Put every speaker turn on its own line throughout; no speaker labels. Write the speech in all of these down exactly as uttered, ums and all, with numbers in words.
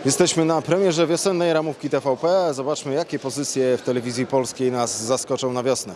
Jesteśmy na premierze wiosennej ramówki T V P. Zobaczmy, jakie pozycje w telewizji polskiej nas zaskoczą na wiosnę.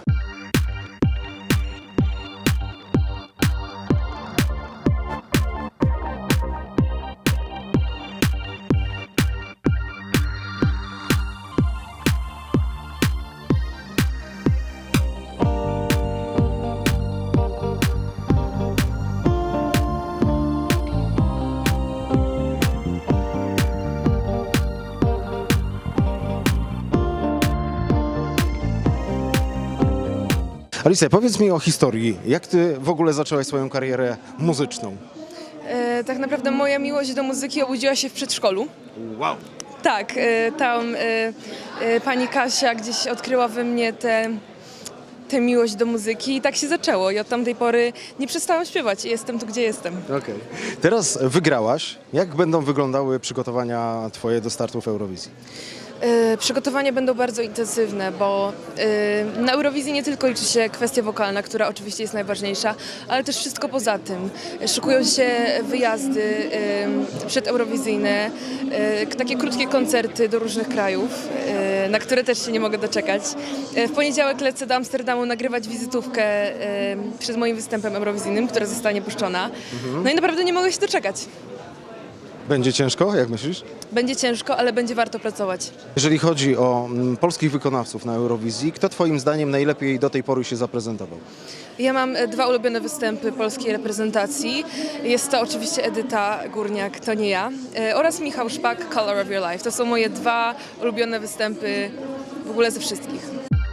Alicja, powiedz mi o historii. Jak ty w ogóle zaczęłaś swoją karierę muzyczną?
E, tak naprawdę moja miłość do muzyki obudziła się w przedszkolu.
Wow!
Tak, e, tam e, e, pani Kasia gdzieś odkryła we mnie tę tę miłość do muzyki i tak się zaczęło. I od tamtej pory nie przestałam śpiewać i jestem tu, gdzie jestem.
Okej. Teraz wygrałaś. Jak będą wyglądały przygotowania twoje do startu w Eurowizji?
E, Przygotowania będą bardzo intensywne, bo e, na Eurowizji nie tylko liczy się kwestia wokalna, która oczywiście jest najważniejsza, ale też wszystko poza tym. Szykują się wyjazdy e, przedeurowizyjne, e, takie krótkie koncerty do różnych krajów, e, na które też się nie mogę doczekać. E, W poniedziałek lecę do Amsterdamu nagrywać wizytówkę e, przed moim występem eurowizyjnym, która zostanie puszczona. No i naprawdę nie mogę się doczekać.
Będzie ciężko, jak myślisz?
Będzie ciężko, ale będzie warto pracować.
Jeżeli chodzi o mm, polskich wykonawców na Eurowizji, kto twoim zdaniem najlepiej do tej pory się zaprezentował?
Ja mam e, dwa ulubione występy polskiej reprezentacji. Jest to oczywiście Edyta Górniak, to nie ja, e, oraz Michał Szpak, Color of Your Life. To są moje dwa ulubione występy w ogóle ze wszystkich.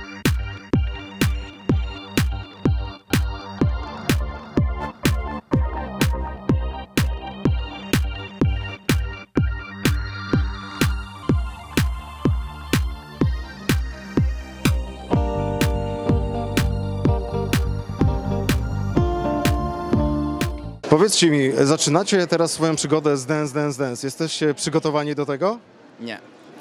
Powiedzcie mi, zaczynacie teraz swoją przygodę z Dance, Dance, Dance. Jesteście przygotowani do tego?
Nie.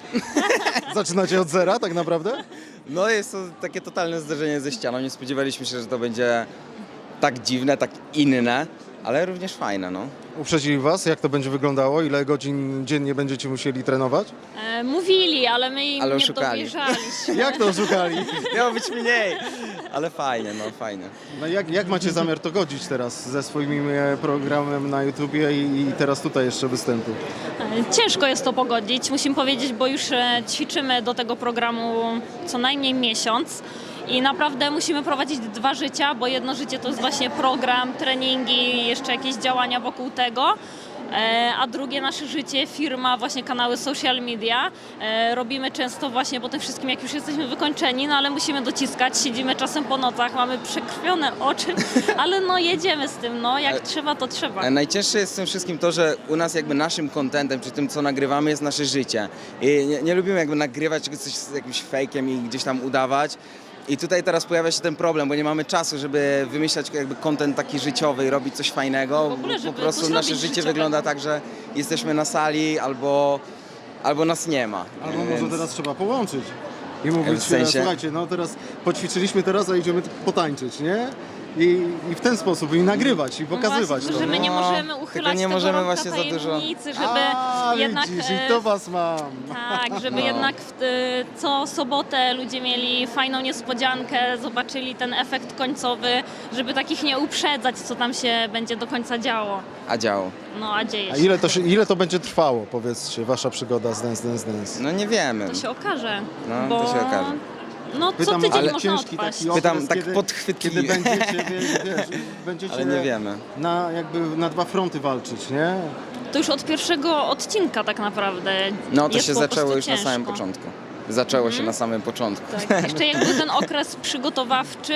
Zaczynacie od zera tak naprawdę?
No jest to takie totalne zderzenie ze ścianą. Nie spodziewaliśmy się, że to będzie tak dziwne, tak inne, ale również fajne, no.
Uprzedzili was, jak to będzie wyglądało? Ile godzin dziennie będziecie musieli trenować?
E, mówili, ale my im
Ale
nie
oszukali.
dowierzaliśmy.
Jak to szukali?
Miało być mniej, ale fajnie, no fajnie.
No jak, jak macie zamiar to godzić teraz ze swoim e, programem na YouTubie i, i teraz tutaj jeszcze występu?
E, Ciężko jest to pogodzić, musimy powiedzieć, bo już e, ćwiczymy do tego programu co najmniej miesiąc. I naprawdę musimy prowadzić dwa życia, bo jedno życie to jest właśnie program, treningi, jeszcze jakieś działania wokół tego, e, a drugie nasze życie, firma, właśnie kanały social media. E, Robimy często właśnie po tym wszystkim, jak już jesteśmy wykończeni, no ale musimy dociskać, siedzimy czasem po nocach, mamy przekrwione oczy, ale no jedziemy z tym, no jak trzeba, to trzeba.
E, Najcięższe jest w tym wszystkim to, że u nas jakby naszym contentem, czy tym co nagrywamy jest nasze życie. I nie, nie lubimy jakby nagrywać czegoś coś z jakimś fejkiem i gdzieś tam udawać. I tutaj teraz pojawia się ten problem, bo nie mamy czasu, żeby wymyślać jakby content taki życiowy i robić coś fajnego.
W ogóle,
po
żeby
prostu
coś
nasze
robić
życie
życiowego.
wygląda tak, że jesteśmy na sali albo, albo nas nie ma.
Albo może
Więc-
teraz trzeba połączyć i mówić,
W sensie-
e, słuchajcie, no teraz poćwiczyliśmy teraz, a idziemy potańczyć, nie? I, I w ten sposób i nagrywać i pokazywać
Właśnie,
to.
że my nie
No,
możemy
tylko
uchylać
nie
tego
możemy
rąbka
właśnie za dużo-
tajemnicy, żeby
A,
jednak...
widzisz,
e,
i to was mam.
Tak, żeby
No.
jednak w, y, co sobotę ludzie mieli fajną niespodziankę, zobaczyli ten efekt końcowy, żeby takich nie uprzedzać, co tam się będzie do końca działo.
A działo.
No a dzieje
A
się.
ile to, się, ile to będzie trwało, powiedzcie, wasza przygoda z Dance, Dance, Dance?
No nie wiemy.
To się okaże.
No,
bo...
to się okaże.
No co
Pytam,
tydzień
ale
można
ciężki
odpaść.
taki okres,
Pytam tak
kiedy,
podchwytliwie.
kiedy będziecie, wiesz, wiesz, będziecie
Ale nie wiemy.
Na, jakby na dwa fronty walczyć, nie?
To już od pierwszego odcinka tak naprawdę
No to
jest
się
po
zaczęło
prostu
już
ciężko.
na samym początku. Zaczęło się na samym początku.
Tak. Jeszcze jak był ten okres przygotowawczy,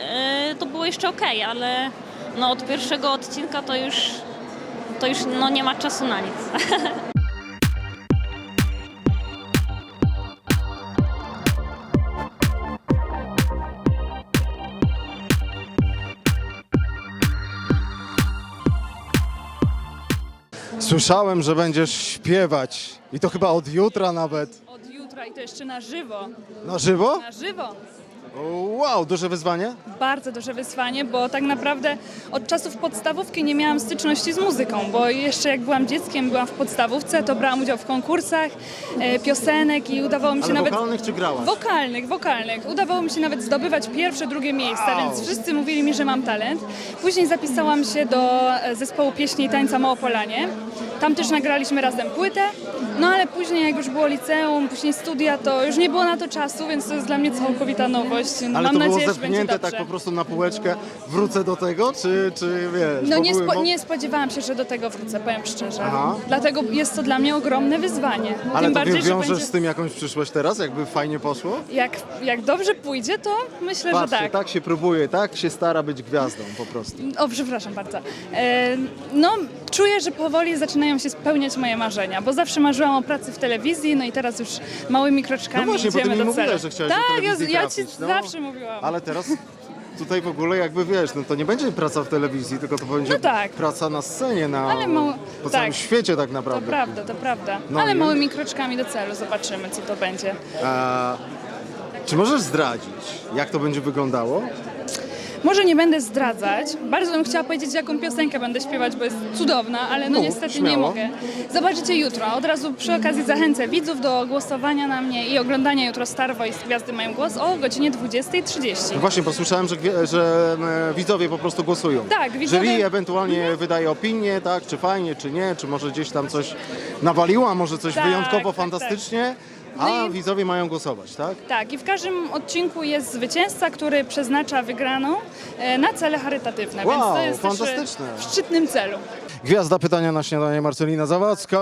y, to było jeszcze okej, ale no od pierwszego odcinka to już, to już no nie ma czasu na nic.
Słyszałem, że będziesz śpiewać i to chyba od jutra nawet.
Od jutra i to jeszcze na żywo.
Na żywo?
Na żywo.
Wow, duże wyzwanie?
Bardzo duże wyzwanie, bo tak naprawdę od czasów podstawówki nie miałam styczności z muzyką, bo jeszcze jak byłam dzieckiem, byłam w podstawówce, to brałam udział w konkursach e, piosenek i udawało mi się
Ale
nawet...
wokalnych czy grałaś?
Wokalnych, wokalnych. Udawało mi się nawet zdobywać pierwsze, drugie miejsce,
Wow.
więc wszyscy mówili mi, że mam talent. Później zapisałam się do e, zespołu pieśni i tańca Małopolanie. Tam też nagraliśmy razem płytę, no ale później jak już było liceum, później studia, to już nie było na to czasu, więc to jest dla mnie całkowita nowość. No,
Ale
mam
to
nadzieję,
było
że będzie
zepchnięte
dobrze.
tak po prostu na półeczkę, wrócę do tego, czy, czy wiesz?
No
bo
nie,
były
spo,
mo-
nie spodziewałam się, że do tego wrócę, powiem szczerze.
Aha.
Dlatego jest to dla mnie ogromne wyzwanie.
Ale
Tym
to
bardziej, że
wiążesz
będzie,
z tym jakąś przyszłość teraz, jakby fajnie poszło?
jak, jak dobrze pójdzie, to myślę,
Patrzcie,
że tak.
tak się próbuje, tak się stara być gwiazdą po prostu.
O, przepraszam bardzo. E, no, czuję, że powoli zaczynają się spełniać moje marzenia, bo zawsze marzyłam o pracy w telewizji, no i teraz już małymi kroczkami
No właśnie, bo ty
idziemy
mi
do celu.
mówiłaś, że chciałaś do
tak,
telewizji
ja, ja ci
trafić, no.
zawsze mówiłam.
Ale teraz tutaj w ogóle jakby wiesz, no to nie będzie praca w telewizji, tylko to będzie
No tak.
praca na scenie, na,
Ale mało-
po
tak.
całym świecie tak
To
naprawdę.
prawda, to prawda.
No
Ale
i-
małymi kroczkami do celu, zobaczymy, co to będzie.
A, czy możesz zdradzić, jak to będzie wyglądało?
Może nie będę zdradzać. Bardzo bym chciała powiedzieć, jaką piosenkę będę śpiewać, bo jest cudowna, ale no
Mów,
niestety
śmiało.
nie mogę. Zobaczycie jutro. Od razu przy okazji zachęcę widzów do głosowania na mnie i oglądania jutro Star Voice Gwiazdy mają głos o godzinie dwudziestej trzydzieści.
No właśnie, posłyszałem, że, gwie- że e, widzowie po prostu głosują.
Tak, widzowie-
Jury ewentualnie wydaje opinię, tak, czy fajnie, czy nie, czy może gdzieś tam coś nawaliło, a może coś
Tak,
wyjątkowo
tak,
fantastycznie,
No
a
i-
widzowie mają głosować, tak?
Tak, i w każdym odcinku jest zwycięzca, który przeznacza wygraną e, na cele charytatywne, więc
Wow,
to jest też
fantastyczne.
e, w szczytnym celu.
Gwiazda pytania na śniadanie, Marcelina Zawadzka.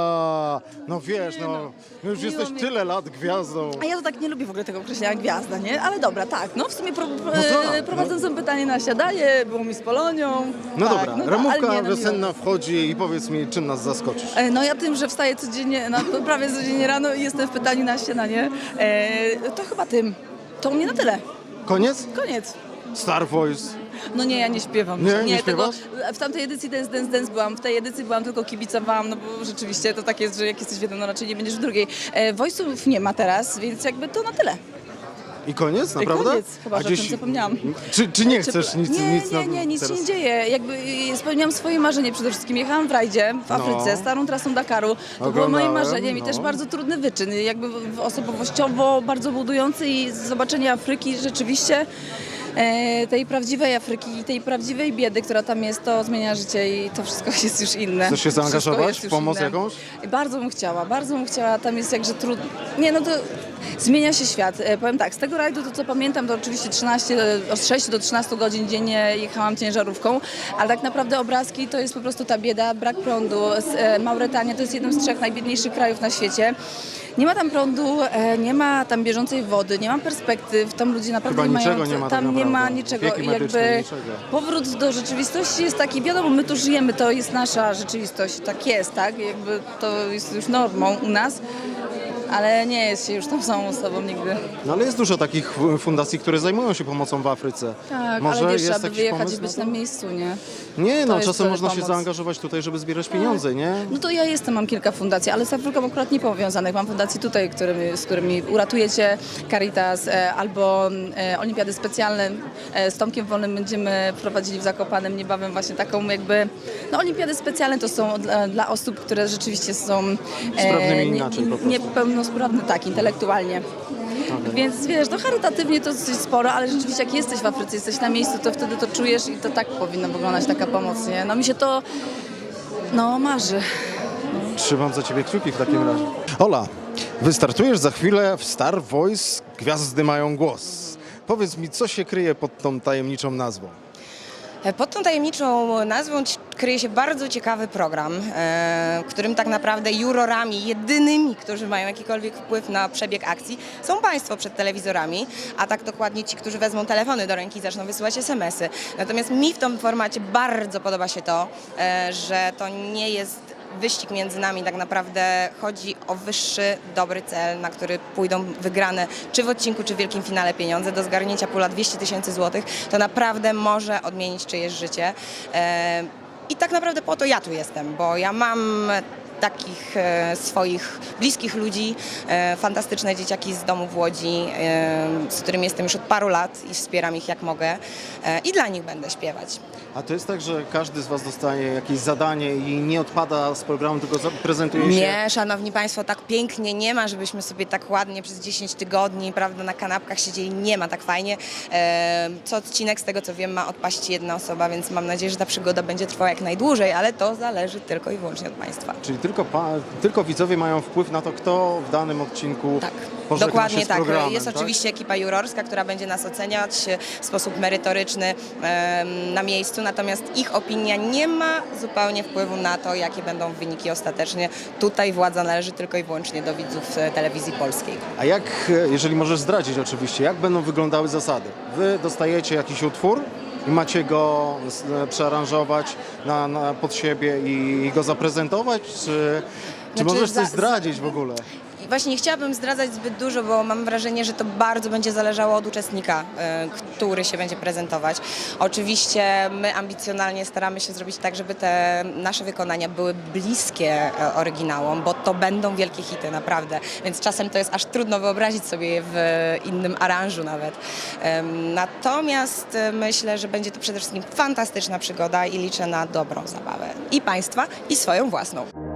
No wiesz, no, już
miło
jesteś
mi.
tyle lat gwiazdą.
A ja to tak nie lubię w ogóle tego określenia gwiazda, nie? Ale dobra, tak. No w sumie pro, pro,
tak,
e, prowadzącą pytanie na siadanie, było mi z Polonią.
No
tak,
dobra,
no, tak,
ramówka
ale nie, no,
wiosenna
miło.
wchodzi i powiedz mi, czym nas zaskoczysz.
E, No ja tym, że wstaję codziennie, no, to prawie codziennie rano i jestem w pytaniu na śniadanie, e, to chyba tym. To u mnie na tyle.
Koniec?
Koniec.
Star Voice.
No nie, ja nie śpiewam.
Nie? Nie
tego,
śpiewasz?
w tamtej edycji Dance Dance Dance byłam, w tej edycji byłam tylko kibicowałam, no bo rzeczywiście to tak jest, że jak jesteś w jednym, no raczej nie będziesz w drugiej. E, Voice'ów nie ma teraz, więc jakby to na tyle.
I koniec, naprawdę?
Koniec, chyba, że o tym zapomniałam.
Czy, czy nie
Czy-
chcesz nic,
nie,
nic
nie,
na-
nie, nic
teraz?
się nie dzieje. Jakby y, spełniłam swoje marzenie przede wszystkim. Jechałam w rajdzie w Afryce, starą trasą Dakaru. To było moim
Oglądałem,
marzeniem i
no.
też bardzo trudny wyczyn. Jakby w- osobowościowo bardzo budujący i zobaczenie Afryki rzeczywiście e, tej prawdziwej Afryki i tej prawdziwej biedy, która tam jest, to zmienia życie i to wszystko jest już inne.
Chcesz się
Wszystko
zaangażować
jest
w
już
pomoc
inne.
jakąś?
I bardzo bym chciała, bardzo bym chciała. Tam jest jakże trudno. Nie, no to zmienia się świat. E, powiem tak, z tego rajdu to co pamiętam, to oczywiście trzynaście, od sześciu do trzynastu godzin dziennie jechałam ciężarówką, ale tak naprawdę obrazki to jest po prostu ta bieda, brak prądu. S- e, Mauretania to jest jeden z trzech najbiedniejszych krajów na świecie. Nie ma tam prądu, e, nie ma tam bieżącej wody, nie ma perspektyw, tam ludzie naprawdę
Chyba
nie mają...
niczego nie ma tak
tam nie ma
naprawdę.
niczego
Opieki
i
medycznej,
jakby
niczego.
powrót do rzeczywistości jest taki, wiadomo, my tu żyjemy, to jest nasza rzeczywistość, tak jest, tak? Jakby to jest już normą u nas, ale nie jest się już tą samą osobą nigdy.
No ale jest dużo takich f- fundacji, które zajmują się pomocą w Afryce.
Tak,
Może
ale wiesz,
jest
trzeba by
jakiś
wyjechać
pomysł
i być
na
na
to?
miejscu, nie?
Nie, no
jest
czasem
wtedy
można się
pomoc.
zaangażować tutaj, żeby zbierać pieniądze, nie?
No to ja jestem, mam kilka fundacji, ale z Afryką akurat nie powiązanych. Mam fundacje tutaj, którymi, z którymi uratujecie Caritas e, albo e, Olimpiady Specjalne. E, z Tomkiem Wolnym będziemy prowadzili w Zakopanem niebawem właśnie taką jakby... No Olimpiady Specjalne to są dla, dla osób, które rzeczywiście są...
Sprawnymi
nie-
inaczej po prostu.
Niepełnosprawne, tak, intelektualnie. Więc wiesz, no charytatywnie to dosyć sporo, ale rzeczywiście jak jesteś w Afryce, jesteś na miejscu, to wtedy to czujesz i to tak powinna wyglądać taka pomoc, nie? No mi się to, no marzy.
Trzymam za ciebie kciuki w takim razie. Ola, wystartujesz za chwilę w Star Voice Gwiazdy mają głos. Powiedz mi, co się kryje pod tą tajemniczą nazwą?
Pod tą tajemniczą nazwą ci- kryje się bardzo ciekawy program, e, w którym tak naprawdę jurorami, jedynymi, którzy mają jakikolwiek wpływ na przebieg akcji, są Państwo przed telewizorami, a tak dokładnie ci, którzy wezmą telefony do ręki i zaczną wysyłać es em esy. Natomiast mi w tym formacie bardzo podoba się to, e, że to nie jest wyścig między nami, tak naprawdę chodzi o wyższy, dobry cel, na który pójdą wygrane czy w odcinku, czy w wielkim finale pieniądze. Do zgarnięcia pula dwieście tysięcy złotych to naprawdę może odmienić czyjeś życie. E, I tak naprawdę po to ja tu jestem, bo ja mam takich e, swoich bliskich ludzi, e, fantastyczne dzieciaki z domu w Łodzi, e, z którymi jestem już od paru lat i wspieram ich jak mogę e, i dla nich będę śpiewać.
A to jest tak, że każdy z Was dostaje jakieś zadanie i nie odpada z programu, tylko za- prezentuje się...
Nie, szanowni państwo, tak pięknie nie ma, żebyśmy sobie tak ładnie przez dziesięć tygodni, prawda, na kanapkach siedzieli. Nie ma tak fajnie. E, Co odcinek, z tego co wiem, ma odpaść jedna osoba, więc mam nadzieję, że ta przygoda będzie trwała jak najdłużej, ale to zależy tylko i wyłącznie od państwa.
Czyli tylko, pa, tylko widzowie mają wpływ na to, kto w danym odcinku
Tak,
pożegna
dokładnie
się z
tak.
programem,
Jest
tak?
oczywiście ekipa jurorska, która będzie nas oceniać w sposób merytoryczny em, na miejscu, natomiast ich opinia nie ma zupełnie wpływu na to, jakie będą wyniki ostatecznie. Tutaj władza należy tylko i wyłącznie do widzów e, telewizji polskiej.
A jak, e, jeżeli możesz zdradzić oczywiście, jak będą wyglądały zasady? Wy dostajecie jakiś utwór i macie go s- e, przearanżować na, na, pod siebie i, i go zaprezentować, czy, czy
Znaczy,
możesz coś
za-
zdradzić w ogóle?
I właśnie nie chciałabym zdradzać zbyt dużo, bo mam wrażenie, że to bardzo będzie zależało od uczestnika, e, który się będzie prezentować. Oczywiście my ambicjonalnie staramy się zrobić tak, żeby te nasze wykonania były bliskie e, oryginałom, bo to będą wielkie hity, naprawdę. Więc czasem to jest aż trudno wyobrazić sobie je w innym aranżu nawet. Em, Natomiast e, myślę, że będzie to przede wszystkim fantastyczna przygoda i liczę na dobrą zabawę. I państwa, i swoją własną.